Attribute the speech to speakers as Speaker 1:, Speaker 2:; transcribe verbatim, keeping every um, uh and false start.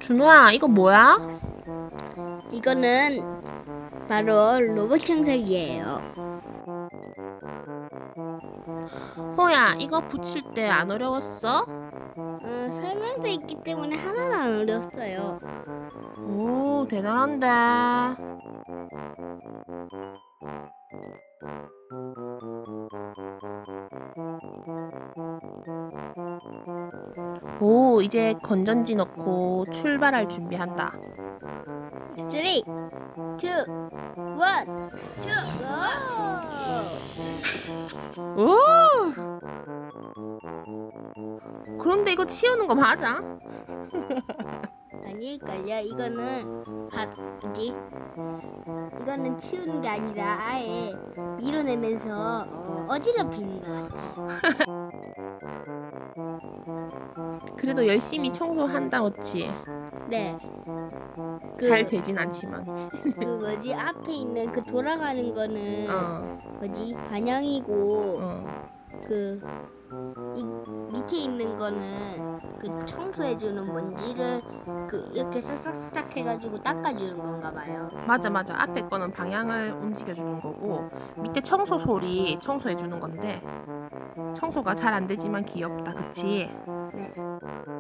Speaker 1: 준호야, 이거 뭐야?
Speaker 2: 이거는 바로 로봇 청소기예요.
Speaker 1: 호야, 이거 붙일 때 안 어려웠어?
Speaker 2: 어, 설명서 있기 때문에 하나도 안 어려웠어요.
Speaker 1: 오, 대단한데. 오, 이제 건전지 넣고 출발할 준비한다.
Speaker 2: 쓰리, 투, 원, 투, 고!
Speaker 1: 오! 그런데 이거 치우는 거 맞아?
Speaker 2: 아닐걸요? 이거는 바, 뭐지? 이거는 치우는 게 아니라 아예 밀어내면서 어, 어지럽히는 것 같아요.
Speaker 1: 그래도 열심히 청소한다, 어찌?
Speaker 2: 네. 그,
Speaker 1: 잘 되진 않지만.
Speaker 2: 그 뭐지? 앞에 있는 그 돌아가는 거는
Speaker 1: 어,
Speaker 2: 뭐지? 반영이고
Speaker 1: 어.
Speaker 2: 그 이 밑에 있는 거는 그 청소해주는 먼지를 그 이렇게 쓱싹쓱싹 해가지고 닦아주는 건가 봐요.
Speaker 1: 맞아, 맞아. 앞에 거는 방향을 움직여주는 거고, 밑에 청소 소리 청소해주는 건데, 청소가 잘 안 되지만 귀엽다, 그치?
Speaker 2: 네.